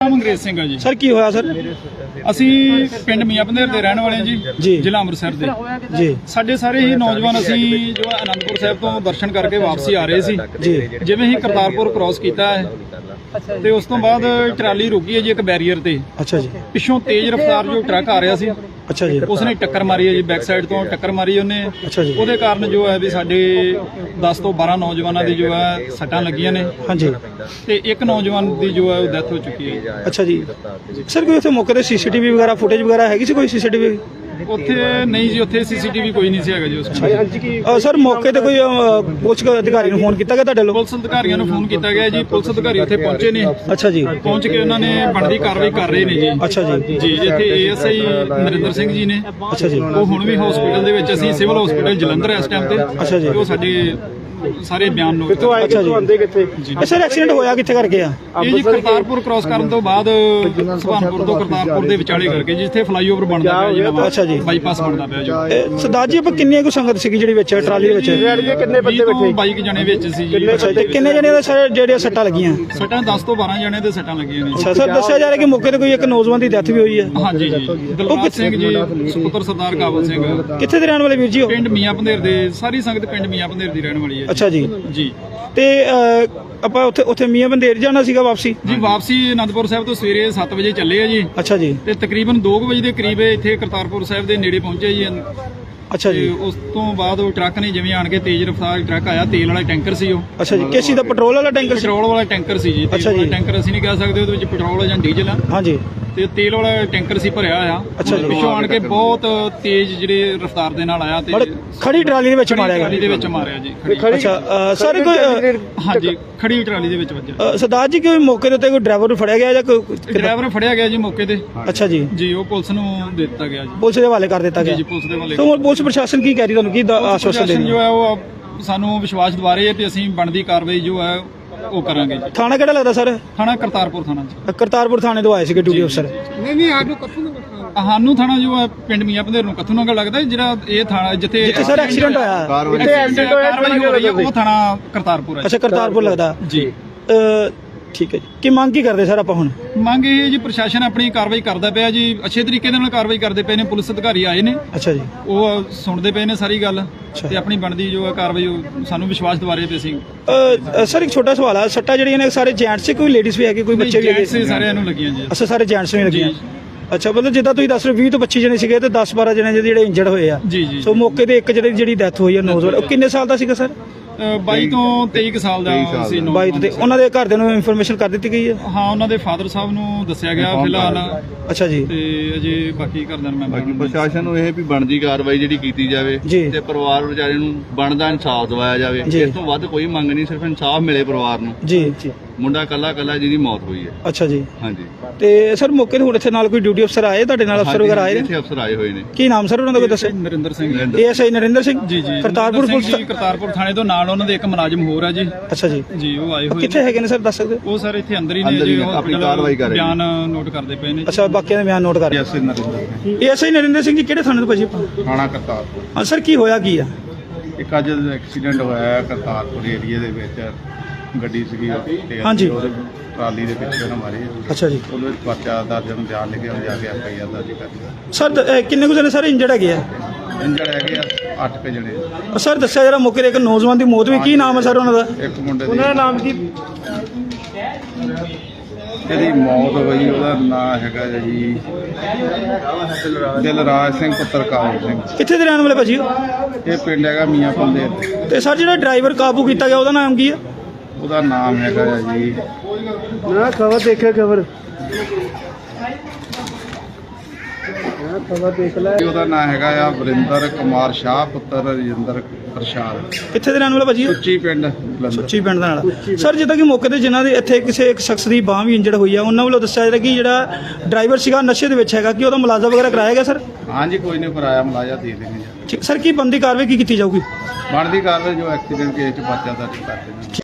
ਅੰਗਰੇਜ਼ ਸਿੰਘ ਆ ਜੀ। ਸਰ ਕੀ ਹੋਇਆ ਸਰ? ਅਸੀਂ ਪਿੰਡ ਮੀਆਂ ਪੰਧੇਰ ਦੇ ਰਹਿਣ ਵਾਲੇ ਜੀ, ਜ਼ਿਲ੍ਹਾ ਅੰਮ੍ਰਿਤਸਰ ਦੇ ਜੀ। ਸਾਡੇ ਸਾਰੇ ਹੀ ਨੌਜਵਾਨ ਅਸੀਂ ਜੋ ਅਨੰਦਪੁਰ ਸਾਹਿਬ ਤੋਂ ਦਰਸ਼ਨ ਕਰਕੇ ਵਾਪਸੀ ਆ ਰਹੇ ਸੀ ਜੀ। ਜਿਵੇਂ ਹੀ ਕਰਤਾਰਪੁਰ ਕ੍ਰਾਸ ਕੀਤਾ ਹੈ ਤੇ ਉਸ ਤੋਂ ਬਾਅਦ ਟਰਾਲੀ ਰੁਕੀ ਹੈ ਜੀ ਇੱਕ ਬੈਰੀਅਰ ਤੇ। ਅੱਛਾ ਜੀ। ਪਿੱਛੋਂ ਤੇਜ਼ ਰਫ਼ਤਾਰ ਜੋ ਟਰੱਕ ਆ ਰਿਹਾ ਸੀ, ਅੱਛਾ ਜੀ, ਉਸਨੇ ਟੱਕਰ ਮਾਰੀ ਹੈ ਜੀ, ਬੈਕ ਸਾਈਡ ਤੋਂ ਟੱਕਰ ਮਾਰੀ ਉਹਨੇ। ਅੱਛਾ ਜੀ। ਉਹਦੇ ਕਾਰਨ ਜੋ ਹੈ ਵੀ ਸਾਡੇ 10 ਤੋਂ 12 ਨੌਜਵਾਨਾਂ ਦੀ ਜੋ ਹੈ ਸੱਟਾਂ ਲੱਗੀਆਂ ਨੇ। ਹਾਂਜੀ। ਤੇ ਇੱਕ ਨੌਜਵਾਨ ਦੀ ਜੋ ਹੈ ਉਹ ਡੈਥ ਹੋ ਚੁੱਕੀ ਹੈ। ਅੱਛਾ ਜੀ। ਸਰ ਕੋਈ ਉੱਥੇ ਮੌਕੇ ਤੇ ਸੀਸੀਟੀਵੀ ਵਗੈਰਾ ਫੁਟੇਜ ਵਗੈਰਾ ਹੈਗੀ ਸੀ? ਕੋਈ ਸੀਸੀਟੀਵੀ ਉੱਥੇ ਨਹੀਂ ਜੀ, ਉੱਥੇ ਸੀਸੀਟੀਵੀ ਕੋਈ ਨਹੀਂ ਸੀ ਹੈਗਾ ਜੀ ਉਸ ਟਾਈਮ। ਸਰ ਮੌਕੇ ਤੇ ਕੋਈ ਪੁਲਿਸ ਅਧਿਕਾਰੀ ਨੂੰ ਫੋਨ ਕੀਤਾ ਗਿਆ ਤੁਹਾਡੇ ਲੋਕ? ਪੁਲਿਸ ਅਧਿਕਾਰੀਆਂ ਨੂੰ ਫੋਨ ਕੀਤਾ ਗਿਆ ਜੀ, ਪੁਲਿਸ ਅਧਿਕਾਰੀ ਉੱਥੇ ਪਹੁੰਚੇ ਨੇ। ਅੱਛਾ ਜੀ। ਪਹੁੰਚ ਕੇ ਉਹਨਾਂ ਨੇ ਬਣਦੀ ਕਾਰਵਾਈ ਕਰ ਰਹੇ ਨੇ ਜੀ। ਅੱਛਾ ਜੀ। ਜੀ ਇੱਥੇ ਏਐਸਆਈ ਨਰਿੰਦਰ ਸਿੰਘ ਜੀ ਨੇ। ਅੱਛਾ ਜੀ। ਉਹ ਹੁਣ ਵੀ ਹਸਪੀਟਲ ਦੇ ਵਿੱਚ, ਅਸੀਂ ਸਿਵਲ ਹਸਪੀਟਲ ਜਲੰਧਰ ਇਸ ਟਾਈਮ ਤੇ। ਅੱਛਾ ਜੀ। ਉਹ ਸਾਡੇ ਸਾਰੇ ਬਿਆਨ ਨੋਟ। ਅੱਛਾ ਜੀ। ਸਰ ਐਕਸੀਡੈਂਟ ਹੋਇਆ ਕਿੱਥੇ ਕਰਕੇ ਆ? ਇਹ ਜੀ ਕਰਤਾਰਪੁਰ ਕ੍ਰਾਸ ਕਰਨ ਤੋਂ ਬਾਅਦ ਸੁਭਾਨਪੁਰ ਤੋਂ ਕਰਤਾਰਪੁਰ ਦੇ ਵਿਚਾਲੇ ਕਰਕੇ, ਜਿੱਥੇ ਫਲਾਈਓਵਰ ਬਣਦਾ ਪਿਆ ਜੀ ਨਵਾਂ। ਅੱਛਾ ਜੀ। ਬਾਈਪਾਸ ਬਣਦਾ ਪਿਆ ਜੀ। ਸਰਦਾਰ ਜੀ ਆਪਾਂ ਕਿੰਨੀ ਕੁ ਸੰਗਤ ਸੀਗੀ ਜਿਹੜੀ ਵਿੱਚ ਟਰਾਲੀ ਦੇ ਵਿੱਚ? ਕਿੰਨੇ ਬੰਦੇ ਬੈਠੇ? 22 ਜਣੇ ਵਿੱਚ ਸੀ ਜੀ। ਅੱਛਾ ਤੇ ਕਿੰਨੇ ਜਣੇ ਦੇ ਸਰ ਜਿਹੜੇ ਸੱਟਾਂ ਲੱਗੀਆਂ? ਸੱਟਾਂ 10 ਤੋਂ 12 ਜਣੇ ਦੇ ਸੱਟਾਂ ਲੱਗੀਆਂ ਨੇ। ਅੱਛਾ ਸਰ ਦੱਸਿਆ ਜਾ ਰਿਹਾ ਕਿ ਮੌਕੇ ਤੇ ਕੋਈ ਇੱਕ ਨੌਜਵਾਨ ਦੀ ਡੈਥ ਵੀ ਹੋਈ ਹੈ। ਹਾਂਜੀ ਜੀ। ਦਿਲਬਾਗ ਸਿੰਘ ਜੀ ਸੁਪੁੱਤਰ ਸਰਦਾਰ ਕਾਬਲ ਸਿੰਘ। ਕਿੱਥੇ ਦੇ ਰਹਿਣ ਵਾਲੇ ਵੀਰ ਜੀ? ਪਿੰਡ ਮੀਆਂ ਪੰਧੇਰ ਦੇ। ਸਾਰੀ ਸੰਗਤ ਪਿੰਡ ਮੀਆਂ ਪੰਧੇਰ ਦੀ ਰਹਿਣ ਵਾਲੀ ਹੈ। ਅੱਛਾ ਜੀ। ਜੀ। ਤੇ ਆਪਾਂ ਉੱਥੇ ਮੀਆਂ ਪੰਧੇਰ ਜਾਣਾ ਸੀਗਾ ਵਾਪਸੀ ਜੀ। ਵਾਪਸੀ ਅਨੰਦਪੁਰ ਸਾਹਿਬ ਤੋਂ ਸਵੇਰੇ 7 ਵਜੇ ਚੱਲੇ ਆ ਜੀ। ਅੱਛਾ ਜੀ। ਤੇ ਤਕਰੀਬਨ 2 ਵਜੇ ਦੇ ਕਰੀਬ ਇੱਥੇ ਕਰਤਾਰਪੁਰ ਸਾਹਿਬ ਦੇ ਨੇੜੇ ਪਹੁੰਚੇ ਜੀ। ਅੱਛਾ ਜੀ। ਉਸ ਤੋਂ ਬਾਅਦ ਉਹ ਟਰੱਕ ਨੇ ਜਿਵੇਂ ਆਣ ਕੇ ਤੇਜ਼ ਰਫ਼ਤਾਰ ਟਰੱਕ ਆਇਆ, ਤੇਲ ਵਾਲਾ ਟੈਂਕਰ ਸੀ ਉਹ। ਅੱਛਾ ਜੀ। ਕਿਸ ਚੀਜ਼ ਦਾ? ਪੈਟਰੋਲ ਵਾਲਾ ਟੈਂਕਰ? ਪੈਟਰੋਲ ਵਾਲਾ ਟੈਂਕਰ ਸੀ ਜੀ। ਅੱਛਾ ਜੀ। ਟੈਂਕਰ ਅਸੀਂ ਨਹੀਂ ਕਹਿ ਸਕਦੇ, ਉਹਦੇ ਵਿੱਚ ਪੈਟਰੋਲ ਜਾਂ ਡੀਜ਼ਲ ਆ। ਹਾਂਜੀ। ਤੇ ਤੇਲ ਵਾਲਾ ਟੈਂਕਰ ਸੀ ਭਰਿਆ ਆ। ਅੱਛਾ ਜੀ। ਪਿੱਛੋਂ ਆਣ ਕੇ ਬਹੁਤ ਤੇਜ਼ ਜਿਹੜੇ ਰਫ਼ਤਾਰ ਦੇ ਨਾਲ ਆਇਆ ਤੇ ਖੜੀ ਟਰਾਲੀ ਦੇ ਵਿੱਚ ਮਾਰਿਆ ਗਿਆ। ਟਰਾਲੀ ਦੇ ਵਿੱਚ ਮਾਰਿਆ ਜੀ। ਅੱਛਾ ਸਰ ਕੋਈ? ਹਾਂਜੀ, ਖੜੀ ਟਰਾਲੀ ਦੇ ਵਿੱਚ ਵੱਜਿਆ। ਸਰਦਾਰ ਜੀ ਕੋਈ ਮੌਕੇ ਦੇ ਉੱਤੇ ਕੋਈ ਡਰਾਈਵਰ ਫੜਿਆ ਗਿਆ ਜਾਂ ਕੋਈ? ਡਰਾਈਵਰ ਫੜਿਆ ਗਿਆ ਜੀ ਮੌਕੇ ਤੇ। ਅੱਛਾ ਜੀ। ਜੀ ਉਹ ਪੁਲਿਸ ਨੂੰ ਦੇ ਦਿੱਤਾ ਗਿਆ ਜੀ। ਪੁਲਿਸ ਦੇ ਹਵਾਲੇ ਕਰ ਦਿੱਤਾ ਗਿਆ ਜੀ। ਪੁਲਿਸ ਦੇ ਹਵਾਲੇ। ਤੇ ਪੁਲਿਸ ਪ੍ਰਸ਼ਾਸਨ ਕੀ ਕਹਿ ਰਹੀ, ਤੁਹਾਨੂੰ ਕੀ ਆਸ਼ਵਾਸਨ ਦੇ ਰਹੀ? ਜੋ ਹੈ ਉਹ ਸਾਨੂੰ ਵਿਸ਼ਵਾਸ ਦਿਵਾ ਰਹੀ ਹੈ ਤੇ ਅਸੀਂ ਬਣਦੀ ਕਾਰਵਾਈ ਜੋ ਹੈ ਉਹ ਕਰਾਂਗੇ ਜੀ। ਥਾਣਾ ਕਿਹੜਾ ਲੱਗਦਾ ਸਰ? ਥਾਣਾ ਕਰਤਾਰਪੁਰ ਥਾਣਾ ਜੀ। ਕਰਤਾਰਪੁਰ ਥਾਣੇ ਤੋਂ ਆਏ ਸੀਗੇ ਡਿਊਟੀ ਅਫਸਰ? ਨਹੀਂ ਸਾਨੂੰ ਥਾਣਾ ਜੋ ਹੈ ਪਿੰਡ ਮੀਆਂ ਪੰਧੇਰ ਨੂੰ ਕੱਥੂ ਨਗਰ ਲੱਗਦਾ, ਜਿਹੜਾ ਇਹ ਥਾਣਾ ਜਿੱਥੇ ਸਰ ਐਕਸੀਡੈਂਟ ਹੋਇਆ, ਕਾਰਵਾਈ ਹੋ ਰਹੀ ਹੈ, ਉਹ ਥਾਣਾ ਕਰਤਾਰਪੁਰ ਹੈ। ਅੱਛਾ ਕਰਤਾਰਪੁਰ ਲੱਗਦਾ ਜੀ। ਠੀਕ ਹੈ ਜੀ। ਕੀ ਮੰਗ ਕੀ ਕਰਦੇ ਸਰ ਆਪਾਂ ਹੁਣ? ਮੰਗ ਇਹ ਜੀ ਪ੍ਰਸ਼ਾਸਨ ਆਪਣੀ ਕਾਰਵਾਈ ਕਰਦਾ ਪਿਆ ਜੀ, ਅੱਛੇ ਤਰੀਕੇ ਦੇ ਨਾਲ ਕਾਰਵਾਈ ਕਰਦੇ ਪਏ ਨੇ। ਪੁਲਿਸ ਅਧਿਕਾਰੀ ਆਏ ਨੇ। ਅੱਛਾ ਜੀ। ਉਹ ਸੁਣਦੇ ਪਏ ਨੇ ਸਾਰੀ ਗੱਲ ਤੇ ਆਪਣੀ ਬਣਦੀ ਜੋ ਹੈ ਕਾਰਵਾਈ ਸਾਨੂੰ ਵਿਸ਼ਵਾਸ ਦਿਵਾ ਰਹੇ ਪਏ ਸੀ। ਸਰ ਇੱਕ ਛੋਟਾ ਸਵਾਲ ਆ, ਸੱਟਾਂ ਜਿਹੜੀਆਂ ਨੇ ਸਾਰੇ ਜੈਂਟਸ ਸੀ, ਕੋਈ ਲੇਡੀਜ਼ ਵੀ ਹੈਗੇ, ਕੋਈ ਬੱਚੇ ਵੀ ਹੈਗੇ? ਸਾਰਿਆਂ ਨੂੰ ਲੱਗੀਆਂ ਜੀ। ਅੱਛਾ ਸਾਰੇ ਜੈਂਟਸ ਨੂੰ ਲੱਗੀਆਂ। ਅੱਛਾ ਮਤਲਬ ਜਿੱਦਾਂ ਤੁਸੀਂ ਦੱਸ ਰਹੇ 20 ਤੋਂ 25 ਜਣੇ ਸੀਗੇ ਤੇ 10-12 ਜਣੇ ਜਿਹੜੇ ਇੰਜਰਡ ਹੋਏ ਆ। ਜੀ ਜੀ। ਸੋ ਮੌਕੇ ਤੇ ਇੱਕ ਜਿਹੜੀ ਡੈਥ ਹੋਈ ਹੈ ਨੌਜਵਾਨ, ਉਹ ਕਿੰਨੇ ਸਾਲ ਦਾ ਸੀਗਾ ਸਰ? 22 ਤੋਂ 23 ਸਾਲ ਦਾ ਸੀ। 22 ਤੇ ਉਹਨਾਂ ਦੇ ਘਰਦਿਆਂ ਨੂੰ ਇਨਫੋਰਮੇਸ਼ਨ ਕਰ ਦਿੱਤੀ ਗਈ ਹੈ? ਹਾਂ ਉਹਨਾਂ ਦੇ ਫਾਦਰ ਸਾਹਿਬ ਨੂੰ ਦੱਸਿਆ ਗਿਆ ਫਿਲਹਾਲ। ਅੱਛਾ ਜੀ। ਤੇ ਅਜੇ ਬਾਕੀ ਘਰਦਿਆਂ ਨੂੰ ਬਾਕੀ ਪ੍ਰਸ਼ਾਸਨ ਨੂੰ ਇਹ ਵੀ ਬਣਦੀ ਕਾਰਵਾਈ ਜਿਹੜੀ ਕੀਤੀ ਜਾਵੇ ਤੇ ਪਰਿਵਾਰ ਵਿਚਾਰੇ ਨੂੰ ਬਣਦਾ ਇਨਸਾਫ ਦਿਵਾਇਆ ਜਾਵੇ। ਇਸ ਤੋਂ ਵੱਧ ਕੋਈ ਮੰਗ ਨਹੀਂ, ਸਿਰਫ ਇਨਸਾਫ ਮਿਲੇ ਪਰਿਵਾਰ ਨੂੰ। ਜੀ ਜੀ। ਮੁੰਡਾ ਕੱਲਾ ਜਿਹਦੀ ਮੌਤ ਹੋਈ ਹੈ। ਅੱਛਾ ਜੀ। ਹਾਂਜੀ। ਤੇ ਸਰ ਮੌਕੇ ਤੇ ਹੁਣ ਇੱਥੇ ਨਾਲ ਕੋਈ ਡਿਊਟੀ ਅਫਸਰ ਆਏ ਤੁਹਾਡੇ ਨਾਲ? ਅਫਸਰ ਵਗੈਰਾ ਆਏ? ਇੱਥੇ ਅਫਸਰ ਆਏ ਹੋਏ ਨੇ। ਕੀ ਨਾਮ ਸਰ ਉਹਨਾਂ ਦਾ ਕੋਈ ਦੱਸੋ? ਨਰਿੰਦਰ ਸਿੰਘ। ਏਐਸਆਈ ਨਰਿੰਦਰ ਸਿੰਘ ਜੀ। ਜੀ। ਕਰਤਾਰਪੁਰ ਪੁਲਿਸ ਕਰਤਾਰਪੁਰ ਥਾਣੇ ਤੋਂ ਨਾਲ ਉਹਨਾਂ ਦੇ ਇੱਕ ਮੁਲਾਜ਼ਮ ਹੋਰ ਆ ਜੀ। ਅੱਛਾ ਜੀ। ਜੀ ਉਹ ਆਏ ਹੋਏ। ਕਿੱਥੇ ਹੈਗੇ ਨੇ ਸਰ ਦੱਸ ਸਕਦੇ? ਉਹ ਸਰ ਇੱਥੇ ਅੰਦਰ ਹੀ ਨੇ ਜੀ, ਆਪਣੀ ਕਾਰਵਾਈ ਕਰ ਰਹੇ ਨੇ, ਬਿਆਨ ਨੋਟ ਕਰਦੇ ਪਏ ਨੇ। ਅੱਛਾ ਬਾਕੀਆਂ ਦੇ ਬਿਆਨ ਨੋਟ ਕਰ ਰਹੇ। ਏਐਸਆਈ ਨਰਿੰਦਰ ਸਿੰਘ ਜੀ ਕਿਹੜੇ ਥਾਣੇ ਤੋਂ ਭਾਜੀ? ਥਾਣਾ ਕਰਤਾਰਪੁਰ। ਹਾਂ ਸਰ ਕੀ ਹੋਇਆ ਕੀ ਆ? ਇੱਕ ਅੱਜ ਐਕਸੀਡੈਂਟ ਹੋਇਆ ਕਰਤਾਰਪੁਰ ਏਰੀਏ ਦੇ ਵਿੱਚ, ਗੱਡੀ ਸੀਗੀ ਤੇ ਹਾਂਜੀ ਟਰਾਲੀ ਦੇ ਪਿੱਛੇ ਨਾ ਮਾਰੀ। ਅੱਛਾ ਜੀ। ਉਹਦੇ ਵਿੱਚ ਪਰਚਾ ਦਰਜ ਬਿਆਨ ਲਿਖਿਆ, ਜਾ ਕੇ ਐਫਆਈਆਰ ਦਰਜ ਕਰ ਲਈ। ਸਰ ਕਿੰਨੇ ਕੁ ਜਣੇ ਸਰ ਇੰਜਰਡ ਹੈਗੇ ਆ? ਇੰਜਰਡ ਹੈਗੇ ਆ 8 ਜਣੇ। ਸਰ ਦੱਸਿਆ ਜਿਹੜਾ ਮੌਕੇ ਤੇ ਇੱਕ ਨੌਜਵਾਨ ਦੀ ਮੌਤ ਵੀ, ਕੀ ਨਾਮ ਹੈ ਸਰ ਉਹਨਾਂ ਦਾ? ਇੱਕ ਮੁੰਡੇ ਦੀ। ਉਹਨਾਂ ਦਾ ਨਾਮ ਕੀ? ਜਿਹਦੀ ਮੌਤ ਹੋਈ ਉਹਦਾ ਨਾਮ ਹੈਗਾ ਜੀ ਦਿਲਰਾਜ ਸਿੰਘ ਪੁੱਤਰ ਕਾਬਲ ਸਿੰਘ। ਕਿੱਥੇ ਦੇ ਰਹਿਣ ਵਾਲੇ ਭਾਜੀ? ਇਹ ਪਿੰਡ ਹੈਗਾ ਮੀਆਂ ਪੰਧੇਰ। ਤੇ ਸਰ ਜਿਹੜਾ ਡਰਾਈਵਰ ਕਾਬੂ ਕੀਤਾ ਗਿਆ ਉਹਦਾ ਨਾਮ ਕੀ ਆ? ਉਹਦਾ ਨਾਮ ਹੈਗਾ ਜੀ, ਨਾ ਖਬਰ ਦੇਖਿਆ ਖਬਰ ਦੇਖ ਲੈ। ਉਹਦਾ ਨਾਮ ਹੈਗਾ ਆ ਵਰਿੰਦਰ ਕੁਮਾਰ ਸ਼ਾਹ ਪੁੱਤਰ ਰਜਿੰਦਰ ਪ੍ਰਸ਼ਾਦ। ਕਿੱਥੇ ਦੇ ਰਹਿਣ ਵਾਲਾ ਭਾਜੀ? ਸੁੱਚੀ ਪਿੰਡ। ਸੁੱਚੀ ਪਿੰਡ ਦਾ ਨਾਲ। ਸਰ ਜਿੱਦਾਂ ਕਿ ਮੌਕੇ ਤੇ ਜਿਨ੍ਹਾਂ ਦੇ ਇੱਥੇ ਕਿਸੇ ਇੱਕ ਸ਼ਖਸ ਦੀ ਬਾਂਹ ਵੀ ਇੰਜਰਡ ਹੋਈ ਆ, ਉਹਨਾਂ ਵੱਲੋਂ ਦੱਸਿਆ ਜਾ ਰਿਹਾ ਕਿ ਜਿਹੜਾ ਡਰਾਈਵਰ ਸੀਗਾ ਨਸ਼ੇ ਦੇ ਵਿੱਚ ਹੈਗਾ, ਕਿ ਉਹਦਾ ਮੁਲਾਜ਼ਾ ਵਗੈਰਾ ਕਰਾਇਆ ਗਿਆ ਸਰ? ਹਾਂਜੀ ਕੋਈ ਨਹੀਂ ਕਰਾਇਆ, ਮੁਲਾਜ਼ਾ ਦੇ ਦੇਣਗੇ। ਠੀਕ ਸਰ। ਕੀ ਬਣਦੀ ਕਾਰਵਾਈ ਕੀ ਕੀਤੀ ਜਾਊਗੀ? ਬਣਦੀ ਕਾਰਵਾਈ ਜੋ ਐਕਸੀਡੈਂਟ ਕੇਸ 'ਚ ਪਰਚਾ ਦਰਜ ਕਰਦੇ ਨੇ।